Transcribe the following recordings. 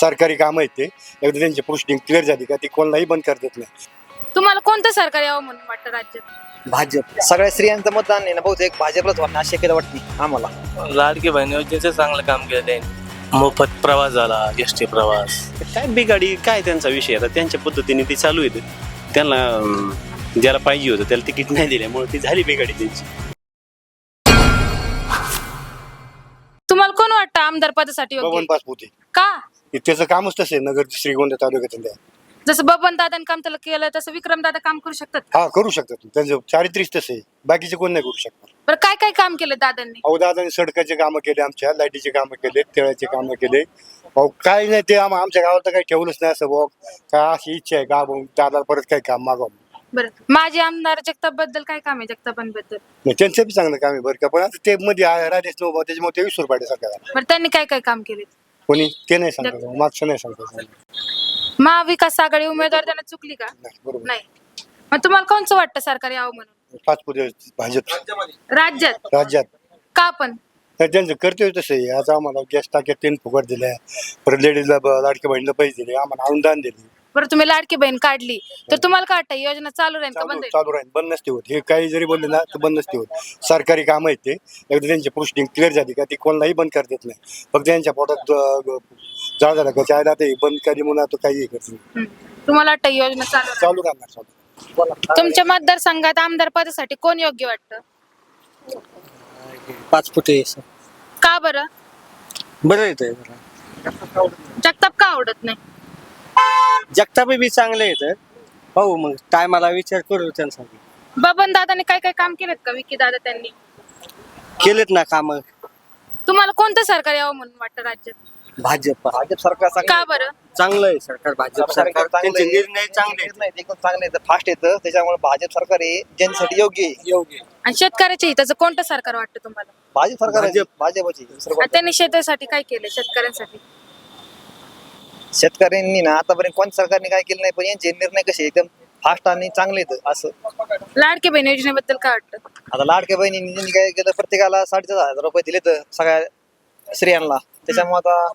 सरकारी काम आहेत ते एकदा त्यांची पोस्टिंग क्लिअर झाली का ती कोणालाही बंद करता येत नाही. तुम्हाला कोणतं सरकार यावं म्हणून वाटतं राज्यात? भाजप. सगळ्या स्त्रियांचं मतदान आहे ना बहुतेक भाजपलाच होणार अशी शक्यता वाटते आम्हाला. लाडकी बहीण योजनेचं चांगलं काम केलं त्यांनी. मोफत प्रवास झाला, एसटी प्रवास. काय बिगाडी काय त्यांचा विषय आता त्यांच्या पद्धतीने ती चालू आहे. त्यांना ज्याला पाहिजे होतं त्याला तिकीट नाही दिल्यामुळे ती झाली बिगाडी त्यांची. तुम्हाला कोण वाटतं आमदार पदासाठी योग्य बबन आहे? पाचपुते का? त्याचं कामच तसं आहे नगर श्रीगोंदा तालुक्यात. जसं बबन दादांनी काम त्याला केलं तसं विक्रम दादा काम करू शकतात. हा करू शकतात त्यांचं चारित्र्यच तसं आहे, बाकीचे कोण नाही करू शकतात. बरं काय काय काम केलं दादांनी? अहो दादाने सडकाचे कामं केले, आमच्या लाईटीचे कामं केले, तेळाचे कामं केले. अहो काय नाही ते आमच्या गावात तर काही ठेवलंच नाही असं भाऊ. काय अशी इच्छा आहे का दादा परत काही काम मागावं. बरं माजी आमदार जगताप बद्दल काय काम आहे? जगतापांबद्दल नाही त्यांचं बी चांगलं काम आहे बरं का, पण आता ते मध्ये राजेश नोबा त्याच्यामुळे ते 20 रुपये सरकार बरं त्यांनी काय काय काम केले? कोणी ते नाही सांगत, मागचं नाही सांगत. महाविकास आघाडी उमेदवार त्यांना चुकली का? नाही बरोबर नाही. मग तुम्हाला कोणचं वाटतं सरकार यावं म्हणून पाचपुते भाजप राज्यात? का पण? तर त्यांचं कर्तव्य तसं आहे. आता आम्हाला गॅस टाक्यात 3 फुकट दिल्या, परत लेडीजला लाडक्या बहिणीला पैसे दिले, आम्हाला अनुदान दिले. बरं तुम्ही लाडकी बहीण काढली तर तुम्हाला काय वाटतं योजना चालू राहील का बंद होईल? चालू राहील, बंद नसते होत. हे काही जरी बोलले ना तर बंद नसते होत. सरकारी काम आहेत ते एकदा त्यांची पोस्टिंग क्लिअर झाली का ती कोणालाही बंद करता येत नाही. फक्त त्यांच्या पोटात जाळ झाला का चायला ते बंद करी म्हणून आता काही करत नाही. तुम्हाला वाटतं योजना चालू राहील? चालू राहणार चालू. तुमच्या मतदारसंघात आमदार पदासाठी कोण योग्य वाटतं? पाचपुते का बरं? बरं येतंय. जगताप का आवडत नाही? जगताप बी चांगले येतं. पाहू मग टायमाला विचार करू त्यांसाठी. बबन दादाने काय काय काम केलेत का? विकी दादा त्यांनी केलेत ना काम. तुम्हाला कोणतं सरकार यावं म्हणून वाटतं राज्यात? भाजप सरकार का बरं? चांगलं आहे. सरकार भाजप सरकार त्यांचे निर्णय चांगले आहेत. एकदम चांगले आहेत, फास्ट येतं. त्याच्यामुळे भाजप सरकार हे जनतेसाठी योग्य आहे. आणि शेतकऱ्याच्या हिताचं कोणतं सरकार वाटतं तुम्हाला? भाजप सरकार भाजपची आणि त्यांनी शेतीसाठी काय केलं? शेतकऱ्यांसाठी शेतकऱ्यांनी ना आतापर्यंत कोणत्या सरकारने काय केलं नाही, पण यांचे निर्णय कसे एकदम फास्ट आणि चांगले आहेत. असं लाडकी बहीण योजनेबद्दल काय वाटतं? आता लाडक्या बहिणींनी त्यांनी काय केलं, प्रत्येकाला 4,500 रुपये दिले तर सगळ्या स्त्रियांना. त्याच्यामुळे आता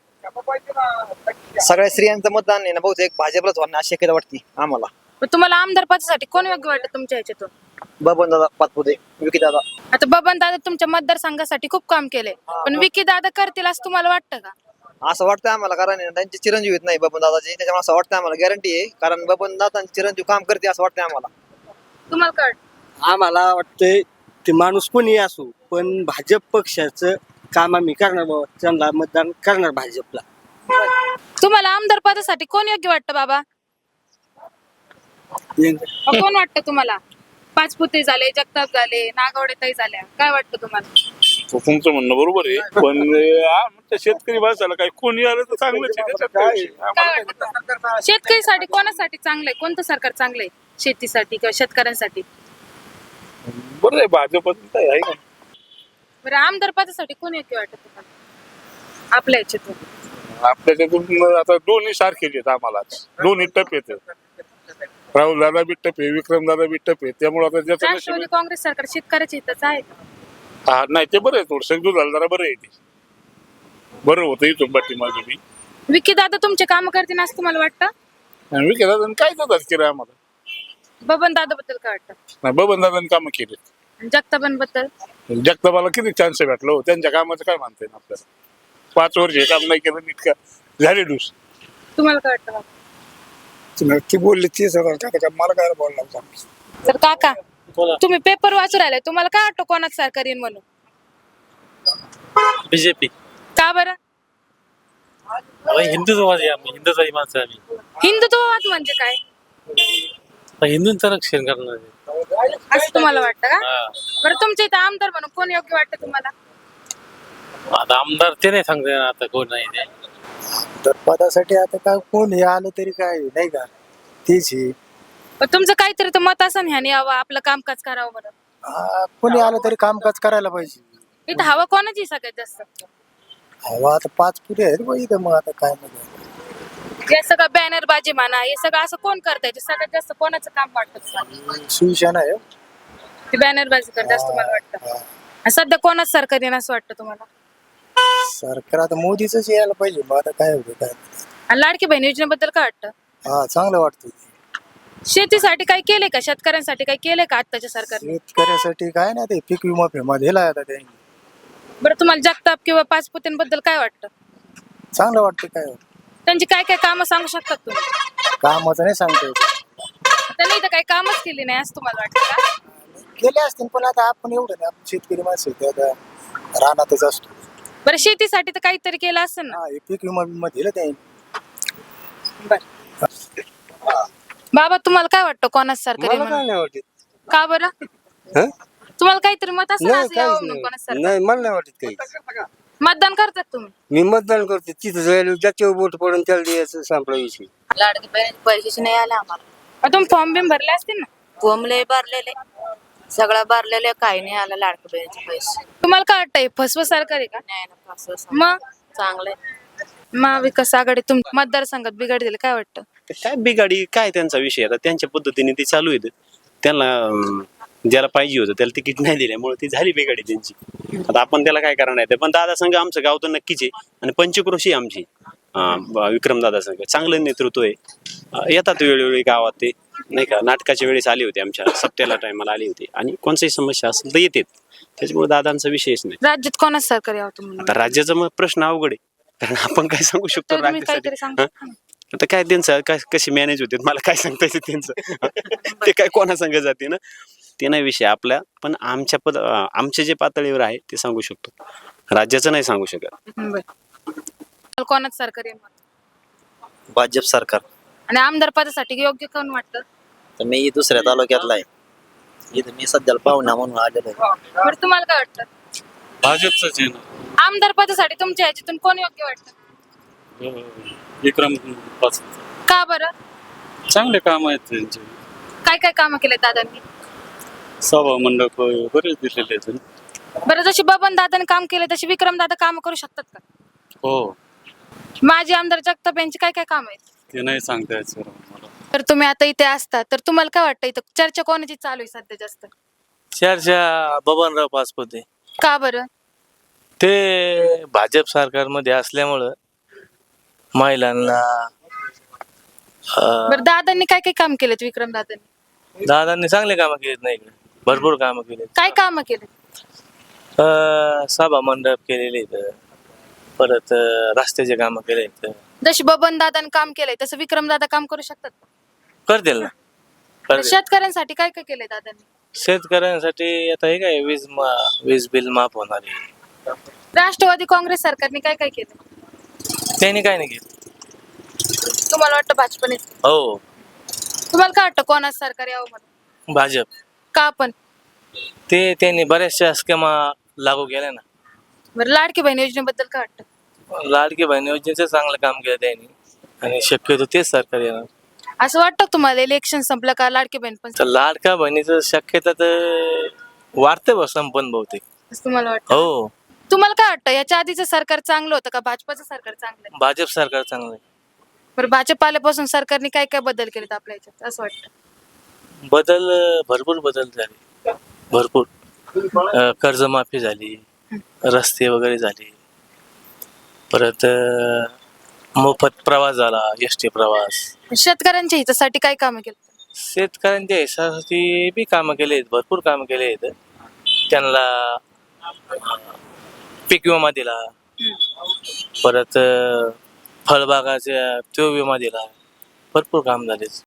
सगळ्या स्त्रियांचं मतदान आहे ना बहुतेक भाजपलाच होणार अशी शक्यता वाटते आम्हाला. पण तुम्हाला आमदार पदासाठी कोण योग्य वाटतं तुमच्या ह्याच्यातून? बबन दादा पाचपुते, विकी दादा. आता बबन दादा तुमच्या मतदारसंघासाठी खूप काम केले, पण विकी दादा करतील असं तुम्हाला वाटतं का? असं वाटतं आम्हाला, कारण त्यांचे चिरंजीव येत नाही बबन दादाचे. त्याच्यामुळे असं वाटतं आम्हाला, गॅरंटी आहे, कारण बबन दादा चिरंजीव काम करते असं वाटतं आम्हाला. तुम्हाला काय वाटतं? आम्हाला वाटतंय ते माणूस कोणी असो पण भाजप पक्षाचं काम आम्ही करणार बाबा. त्यांना मतदान करणार भाजपला. तुम्हाला आमदार पदासाठी कोण योग्य वाटतं बाबा? कोण वाटतं तुम्हाला? पाचपुते झाले, जगताप झाले, नागवडेताई झाल्या, काय वाटतं तुम्हाला? तुमचं म्हणणं बरोबर आहे, पण शेतकरी माणसाला काय कोणी आलं तर चांगलंच आहे. त्याच्यात काय विषय? काय वाटतं शेतकरीसाठी कोणासाठी चांगलंय? कोणतं सरकार चांगलंय शेतीसाठी किंवा शेतकऱ्यांसाठी? बरं आहे, भाजप आहे का? बरं आमदार पदासाठी कोण योग्य वाटतं तुम्हाला आपल्या याच्यातून? आपल्याच्यातून आता दोन्ही सारखेच आहेत आम्हाला. दोन्ही टप येत. राहुल दादा बी टप आहे, विक्रम दादा बी टप आहे. त्यामुळे आता ज्याचं राष्ट्रवादी काँग्रेस सरकार शेतकऱ्याच्या हिताचं आहे का? हा नाही ते बरं आहे, थोडं झालं जरा बरं आहे. ते बरं होतं इथून पाठीमागे बी. विकी दादा तुमचे काम करतील असं तुम्हाला वाटतं? आणि विखे दादा काय दादाच केलं आम्हाला. बबन दादा बद्दल काय वाटतं? नाही बबन दादांनी कामं केले. जगतापांबद्दल? जगतापाला किती चान्स भेटलो हो, त्यांच्या कामाचं काय म्हणता येईल आपल्याला. 5 वर्ष हे काम नाही केलं, नीट का झाले डूस. तुम्हाला काय वाटतं बाबा? ती बोलली ती सगळं मला काय बोलणार. तर काका तुम्ही पेपर वाचू राहिले, तुम्हाला काय वाटतं कोणाच सरकार येईल म्हणून? बीजेपी. का बरं? हिंदुत्ववादी आम्ही, हिंदुत्वादी माणसं आम्ही. हिंदुत्ववाद म्हणजे काय हिंदूंचं रक्षण करणार आहे. असं तुम्हाला वाटतं का? बरं तुमच्या इथं आमदार म्हणून कोण योग्य वाटतं तुम्हाला? आता आमदार ते नाही सांगता येणार आता कोण नाही ते. तर पदासाठी आता काय कोण हे आलं तरी काय नाही का तीच ही. पण तुमचं काहीतरी तर मत असं ह्याने यावं आपलं कामकाज करावं म्हणून. कोणी आलं तरी कामकाज करायला पाहिजे. इथं हवा कोणाची सगळ्यात जास्त? हवा आता 5 पुढे आहेत बघ इथं. मग आता काय नाही, हे सगळं बॅनर बाजी म्हणा, हे सगळं असं कोण करताय? सगळ्यात जास्त कोणाचं काम वाटतं तुम्हाला? शिवसेना आहे. ते बॅनर बाजी करतात असं तुम्हाला वाटतं? आणि सध्या कोणाच सरकार येणं असं वाटतं तुम्हाला? सरकार आता मोदीच यायला पाहिजे. मग आता काय होतं काय. आणि लाडकी बहीण योजनेबद्दल काय वाटतं? हा चांगलं वाटतं. शेतीसाठी काय केलंय का? शेतकऱ्यांसाठी काय केलंय का आत्ताच्या सरकारने? शेतकऱ्यासाठी काय नाही ते पीक विमा फिमा दिला आता त्यांनी. बरं, तुम्हाला जगताप किंवा पाचपुतेंबद्दल काय वाटतं? चांगलं वाटतं. काय त्यांची काय काय कामं सांगू शकतात तुम्ही? कामाचं नाही सांगता येत. त्यांनी इथं काही कामच केली नाही असं तुम्हाला वाटतं का? केले असतील पण आता आपण एवढं नाही, आपण शेतकरी माणसं आहे, ते आता रानातच असतो. बरं, शेतीसाठी तर काहीतरी केलं असेल ना? हा हे पीक विमा विमा दिलं त्यांनी. बाबा, तुम्हाला काय वाटतं कोणाच सरकार आहे म्हणून? नाही वाटत. का बरं? हं? तुम्हाला काहीतरी मत असेल नाही, असं यावं काहीच म्हणून नाही. कोणाच सरकार? नाही, मला नाही वाटत काही. मतदान करतात तुम्ही? मी मतदान करते, तिथं जायला ज्याच्यावर बोट पडून त्याला द्यायचं, संपला विषय. लाडकी बहिणीचे पैसेच नाही आले आम्हाला. तुम्ही फॉर्म बिम भरले असतील ना? कोंबले भरलेले, सगळं भरलेले, काही नाही आलं लाडकी बहिणीचे पैसे. तुम्हाला काय वाटतं हे फसवं सरकार आहे का? नाही ना, असं मग चांगले. महाविकास आघाडी तुम मतदारसंघात बिघडलेलं काय वाटतं? काय बिगाडी काय त्यांचा विषय आता त्यांच्या पद्धतीने ते चालू आहेत. त्यांना ज्याला पाहिजे होतं त्याला तिकीट नाही दिल्यामुळे ती झाली बिगाडी त्यांची. आता आपण त्याला काय करणार आहे? पण दादा संघ आमचं गाव तर नक्कीच आहे आणि पंचक्रोशी आमची विक्रम दादा संघ चांगलं नेतृत्व आहे. येतात वेळोवेळी गावात ते नाही का, नाटकाच्या वेळेस आले होते, आमच्या सप्त्याला टायमाला आले होते आणि कोणतीही समस्या असेल तर येतात. त्याच्यामुळे दादांचा विषयच नाही. राज्यात कोणाच सरकार यावं तुम्हाला? आता राज्याचा मग प्रश्न अवघड आहे, कारण आपण काय सांगू शकतो तर तुम्ही राज्यासाठी? काहीतरी सांगू शकता ना? आता काय त्यांचं काय कशी मॅनेज होते मला काय सांगता येते त्यांचं. ते काय कोणा संघ जाते ना, ते नाही विषय आपल्या. पण आमच्या जे पातळीवर आहे ते सांगू शकतो, राज्याचं नाही सांगू शकत. बरं. कोणाच सरकार आहे मग? भाजप सरकार. आणि आमदार पदासाठी योग्य कोण वाटतं? तर मी दुसऱ्या तालुक्यातला आहे, इथं मी सध्याला पाहुणा म्हणून आलेलो आहे. बरं, तुम्हाला काय वाटतं? भाजपचंच आहे ना. आमदार पदासाठी तुमच्या ह्याच्यातून कोण योग्य वाटतं? विक्रम पाच का बरं? चांगले काम आहेत त्यांचे. काय काय कामं केले दादांनी? सभा मंडप बरेच दिलेले आहेत. बरं, जशी बबन दादाने काम केले तशी विक्रम दादा काम करू शकतात का? हो, माजी आमदार जगताप यांची काय काय काम आहेत? ते नाही सांगता येत सर मला. तर तुम्ही आता इथे असता तर तुम्हाला काय वाटतं इथं चर्चा कोणाची चालू आहे सध्या जास्त? चर्चा बबनराव पाचपुते. का बरं? ते भाजप सरकारमध्ये असल्यामुळं महिलांना बरं, दादांनी काय काय काम केलेत विक्रम दादांनी? दादांनी चांगले कामं केलेत ना इकडे, भरपूर कामं केलेत. काय कामं केलेत? सभा मंडप केलेले आहेत, परत रस्त्याचे कामं केले आहेत. जशी बबन दादाने काम केलंय तसं विक्रम दादा काम करू शकतात का? करतील ना, तर करतील. शेतकऱ्यांसाठी काय काय केलंय दादांनी? शेतकऱ्यांसाठी आता हे काय वीज बिल माफ होणार आहे. राष्ट्रवादी काँग्रेस सरकारने काय काय केलं? त्यांनी काय नाही केलं. तुम्हाला वाटतं भाजपने? हो, तुम्हाला काय वाटतं कोणाच सरकार यावं म्हणून? भाजप. का पण? त्यांनी बऱ्याचशा स्कीमा लागू केल्या ना. बरं, लाडकी बहीण योजनेबद्दल काय वाटतं? लाडकी बहीण योजनेचं चांगलं काम केलं त्यांनी आणि शक्यतो तेच सरकार येणार. असं वाटतं तुम्हाला इलेक्शन संपलं का लाडकी बहीण पण तर लाडका बहिणीचं शक्यता तर वाढते बस संपन्न बहुतेक. असं तुम्हाला वाटतं? हो, तुम्हाला काय वाटतं याच्या आधीचं सरकार चांगलं होतं का भाजपाचं सरकार चांगलं आहे? भाजप सरकार चांगलं आहे. बरं, भाजप आल्यापासून सरकारने काय काय बदल केलेत आपल्या याच्यात असं वाटतं? भरपूर बदल झाले, भरपूर. कर्जमाफी झाली, रस्ते वगैरे झाले, परत मोफत प्रवास झाला, एसटी प्रवास. शेतकऱ्यांच्या हितासाठी काय कामं केलं? शेतकऱ्यांच्या हिशासाठी बी कामं केले आहेत, भरपूर कामं केले आहेत. त्यांना पीक विमा दिला, परत फळबागाचा तो विमा दिला, भरपूर काम झाले.